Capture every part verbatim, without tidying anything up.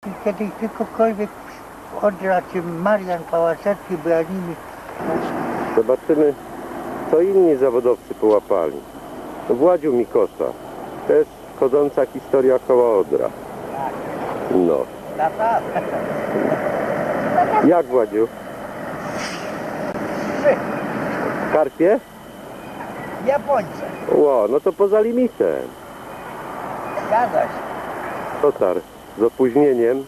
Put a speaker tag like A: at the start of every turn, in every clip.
A: Kiedy ktokolwiek Odra czy Marian Pałaszewski bronili.
B: Zobaczymy, co inni zawodowcy połapali. Władziu Mikosza, też chodząca historia koła Odra. No. Jak, Władziu? Karpie?
A: Japońcy.
B: Ło, no to poza limitem.
A: Zgadza się.
B: Dotarł z opóźnieniem.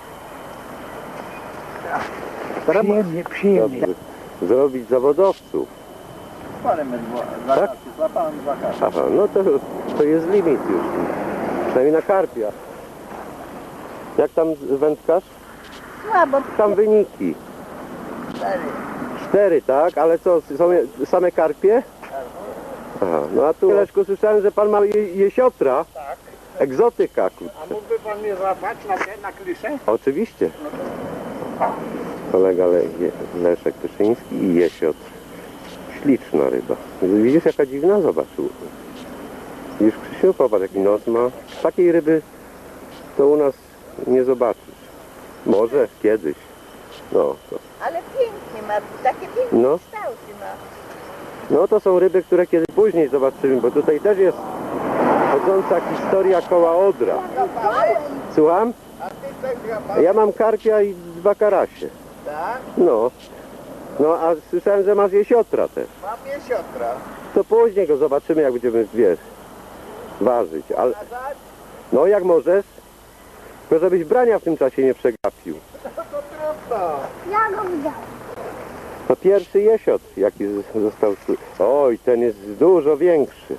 A: Przyjemnie, przyjemnie.
B: Dobrze. Zrobić zawodowców.
C: Parę my dwa,
B: Tak?
C: karty, złapałem dwa karty.
B: Aha, no to, to jest limit już. Przynajmniej na karpia. Jak tam wędkarz?
A: Słabo.
B: Tam wyniki.
A: Cztery.
B: Cztery, tak? Ale co, są same karpie? Aha, no a tu Leszku, słyszałem, że pan ma je, jesiotra.
C: Tak.
B: Egzotyka, kurczę.
C: A mógłby pan mnie złapać na te, na kliszę?
B: Oczywiście. Kolega Le Leszek Pyszyński i jesiotr. Śliczna ryba. Widzisz, jaka dziwna? Zobacz. Widzisz, Krzysiu, popatrz, jaki nos ma. Takiej ryby to u nas nie zobaczysz. Może kiedyś. No, to.
D: Ale pięknie ma, takie piękne
B: No.
D: kształty ma.
B: No to są ryby, które kiedyś później zobaczymy, bo tutaj też jest chodząca historia koła Odra. Słucham?
C: A ty też złapałeś?
B: Ja mam karpia i dwa karasie.
C: Tak?
B: No. No a słyszałem, że masz jesiotra też.
C: Mam jesiotra.
B: To później go zobaczymy, jak będziemy, wiesz, ważyć. Ale,
C: Nazad?
B: no jak możesz, tylko żebyś brania w tym czasie nie przegapił.
C: No to trudno.
D: Ja go widziałem.
B: To pierwszy jesiotr, jaki z- został tu. Oj, ten jest dużo większy.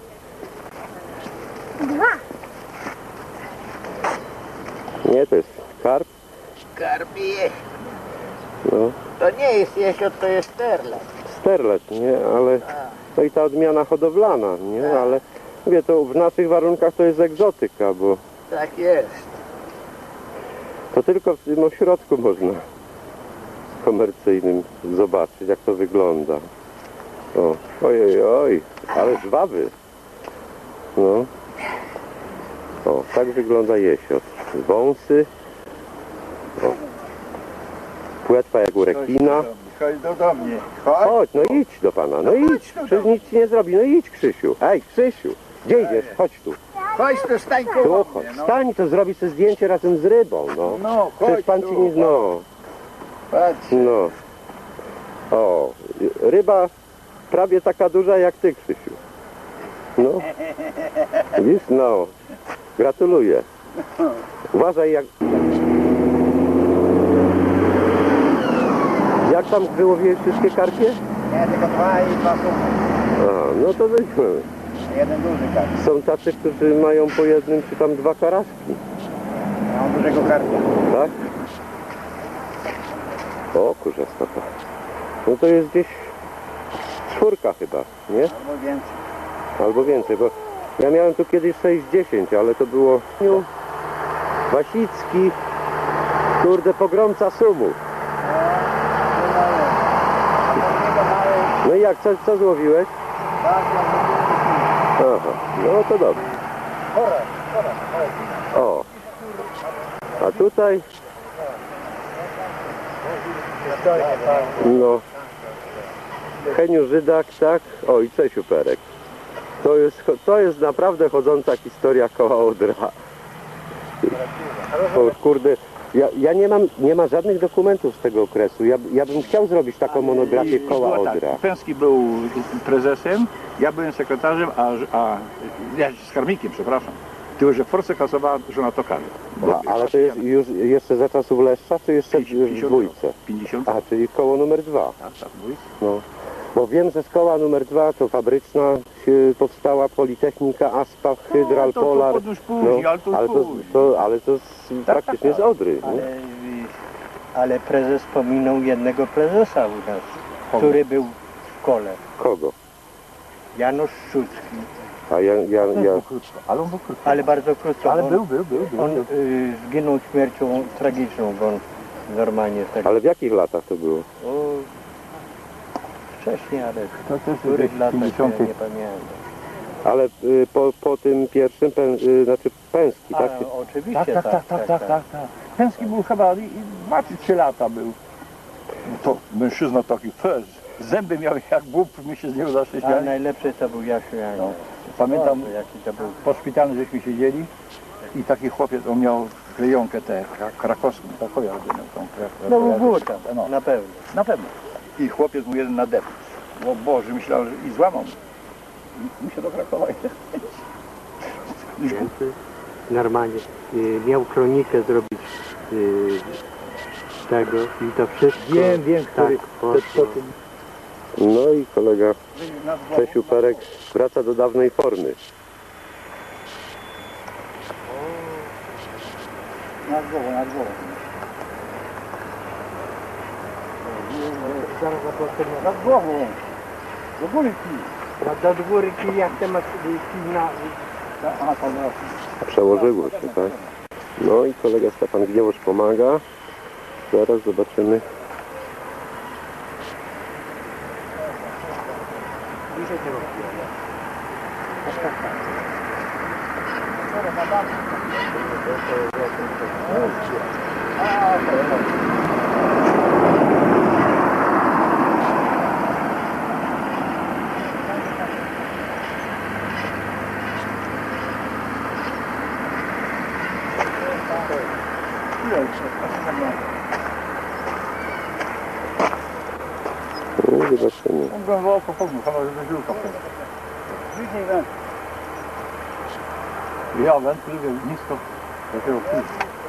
D: Dwa.
B: Nie, to jest karp.
C: Karpie.
B: No,
C: To nie jest jesiot, to jest sterlet.
B: sterlet, nie, ale no i ta odmiana hodowlana, nie, ale mówię, to w naszych warunkach to jest egzotyka, bo
C: Tak jest.
B: to tylko w tym ośrodku można komercyjnym zobaczyć, jak to wygląda. O, oj, oj, oj, ale żwawy. No. O, tak wygląda jesiot. Wąsy. O. Płetwa jak u rekina.
C: Chodź do, do mnie. Chodź.
B: Chodź, no idź do pana, no idź. Przecież nic ci nie zrobi, no idź, Krzysiu. Ej, Krzysiu, gdzie idziesz? Chodź tu.
C: Chodź tu, stań
B: Tu
C: koło
B: chodź.
C: mnie, no.
B: Stań, to zrobi sobie zdjęcie razem z rybą, no.
C: No,
B: Przecież
C: chodź
B: pan
C: tu.
B: ci nie... No.
C: Patrz.
B: No. O, ryba prawie taka duża jak ty, Krzysiu. No. Widzisz? No. Gratuluję. Uważaj jak... Jak tam wyłowiłeś wszystkie karpie?
C: Nie, tylko dwa i dwa są.
B: Aha, no to weźmy.
C: Jeden duży karp.
B: Są tacy, którzy mają po jednym czy tam dwa karaski.
C: Mam dużego karpia.
B: Tak? O, kurze stopa. No to jest gdzieś czwórka chyba, nie?
C: Albo więcej.
B: Albo więcej, bo ja miałem tu kiedyś sześć dziesięć, ale to było Wasicki, kurde, pogromca sumu. No i jak, co, co złowiłeś? Aha, no to dobrze. O, a tutaj, no, Heniu Żydak, tak? O, i Czesiu Perek. To jest, to jest naprawdę chodząca historia koła Odra. O, kurde, ja, ja nie mam, nie ma żadnych dokumentów z tego okresu. Ja, ja bym chciał zrobić taką monografię koła
E: Było tak,
B: Odra.
E: Pęski był prezesem, ja byłem sekretarzem, a, a ja z karmikiem, przepraszam. Tylko, że forsę kasowała żona tokarza.
B: A, ale to jest już jeszcze za czasów Leszcza, czy jeszcze w dwójce?
E: pięćdziesiąt.
B: A, czyli koło numer dwa.
E: Tak, tak, w dwójce.
B: No. Bo wiem, że szkoła numer dwa to fabryczna się powstała Politechnika, Aspa, Hydral,
E: No, to- to
B: Polar.
E: podróż później, ale to
B: ale, to,
E: później.
B: to, ale to z, praktycznie z Odry. Nie?
A: Ale, ale prezes pominął jednego prezesa u nas, który był w szkole.
B: Kogo?
A: Janusz Szczucki.
B: A ja, ja, ja,
E: Ale on był krótki.
A: Ale bardzo krótko.
E: Ale
A: on,
E: był, był, był. był.
A: On y, zginął śmiercią tragiczną, bo on normalnie tak.
B: ale w jakich latach to było?
A: O, wcześniej, ale
E: To też
A: w których
E: gdzieś
A: latach to ja
E: pięćdziesiąty.
A: nie pamiętam.
B: Ale y, po, po tym pierwszym, pę, y, znaczy Pęski,
A: A,
B: tak?
A: oczywiście
E: Tak, tak, tak, tak, tak, tak, tak. Pęski był chyba i dwa czy trzy lata był. To mężczyzna taki fez. Zęby miał jak bób, mi się z niego zawsze
A: A
E: śmiali.
A: najlepszy to był Jasiu Janek.
E: No, pamiętam,
A: Boże, jaki to był.
E: po szpitalu żeśmy siedzieli i taki chłopiec, on miał klejonkę tę kra- krakowską, Krakowie albo miał tą kra-
A: No
E: Krakowie.
A: było tam,
E: No,
A: na pewno.
E: na pewno. I chłopiec mu jeden nadepł. O Boże, myślał, że i złamał. I musiał do Krakowa jechać.
A: Normalnie y, miał kronikę zrobić y, tego i to wszystko.
E: Wiem, wiem, który
A: tak,
E: to,
A: poszło.
E: to, to,
B: No i kolega Czesiu Perek wraca do dawnej formy.
C: Nad głową, nad głową.
A: Zaraz zobaczymy.
C: Nad głową. Do góry kij.
A: No do góry kij, jak te masz kij na...
C: Aha, to no.
B: Przełożyło się, tak? No i kolega Stefan Gniewosz pomaga. Zaraz zobaczymy.
A: Bliżej tego.
B: No, zobaczymy.
E: on go wołał po pognu, chyba, żeby żyłka wchodziła.
C: Bliżej węd.
E: Ja węd lubię nisko takiego pół.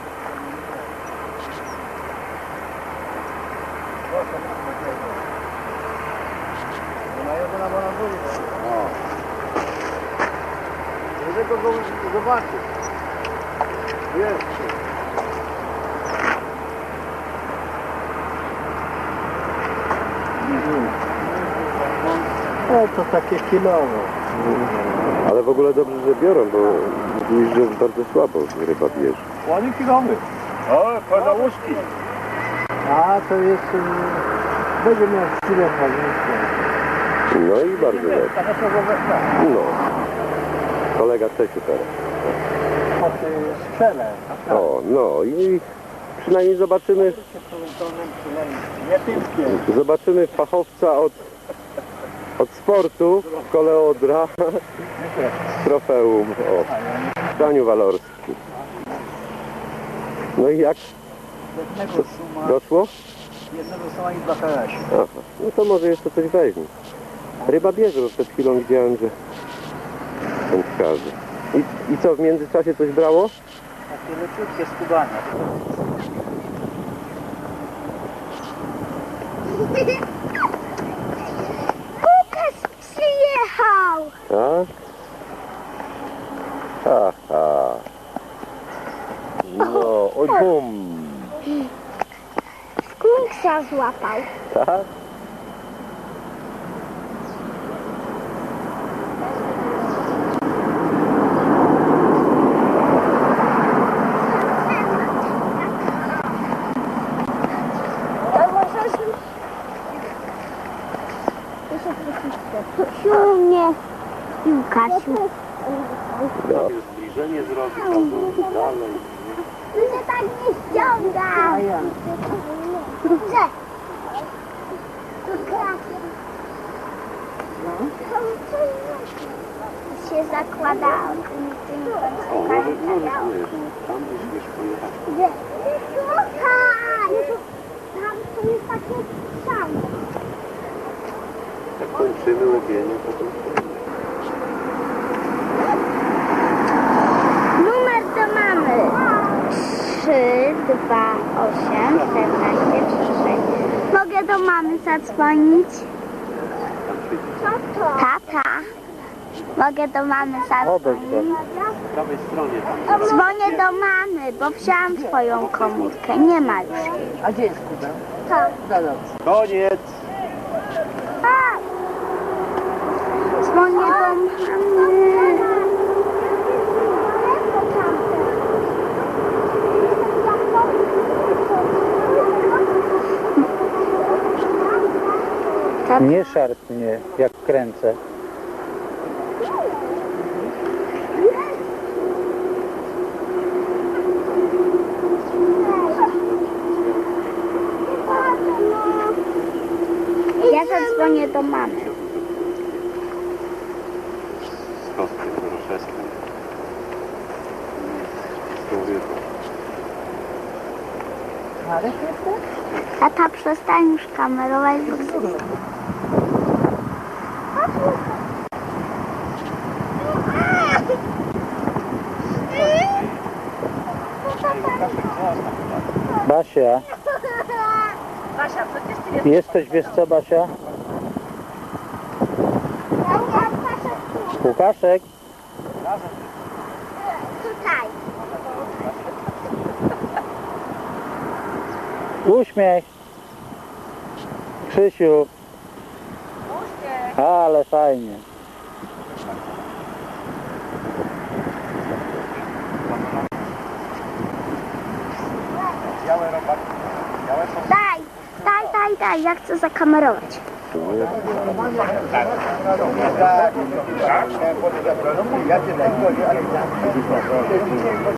C: Na jego na na górę. O. Żeby go zobaczyć. Jest.
A: E, to takie kilowo.
B: Ale w ogóle dobrze, że biorą, bo mówisz, że bardzo słabo ryba bierze.
E: Ładny kilowy. O, pana łuski.
A: A to jest... y, będzie miał chwilę pewnie.
B: No i bardzo dobrze. No. Kolega Czesiu teraz.
A: Po tej skrzele.
B: O, no i przynajmniej zobaczymy,
C: Nie typkie.
B: zobaczymy fachowca od, od sportu w kole Odra z trofeum. O, Daniu Walorski. No i jak?
C: Jednego suma,
B: Doszło?
C: jednego suma i dwa karasie.
B: Aha, no to może jeszcze coś weźmie. Ryba bierze, bo przed chwilą widziałem, że wędkarzy. I, I co, w międzyczasie coś brało?
C: Takie leciutkie skubania.
D: Łukasz przyjechał!
B: Tak? Aha. No, oj bum.
D: Skunksa złapał.
B: Tak?
D: To możesz... Prosił mnie Łukasiu.
B: No.
A: Zbliżenie zrobić albo dalej.
D: Tu się tak nie ściąga. Że? Tu krasie. Się zakładało. Gdzie? Słuchaj! Tam to jest takie samo.
B: Jak kończymy łowienie, to to...
D: Numer to mamy trzy, dwa, osiem, czternaście, trzy, sześć. Mogę do mamy zadzwonić? Co to? Tata. Mogę do mamy zadzwonić?
A: Po prawej stronie tam.
D: Dzwonię do mamy, bo wziąłam twoją komórkę. Nie ma już jej.
A: A gdzie jest kubeł?
D: To.
A: Koniec.
D: A! Dzwonię do mamy.
A: Nie szarp mnie, jak kręcę.
D: zadzwonię do mamy.
B: Z kostkiem Doroszewskim. Z tą rybą.
D: Tata, przestań już kamerować, bo
C: Basia. Jesteś, wiesz co, Basia? Łukaszek.
D: tutaj.
C: Uśmiech. Krzysiu. Ale fajnie.
D: Daj, daj, daj, daj, ja chcę zakamerować.
C: Tak, ja cię najgorzej, ale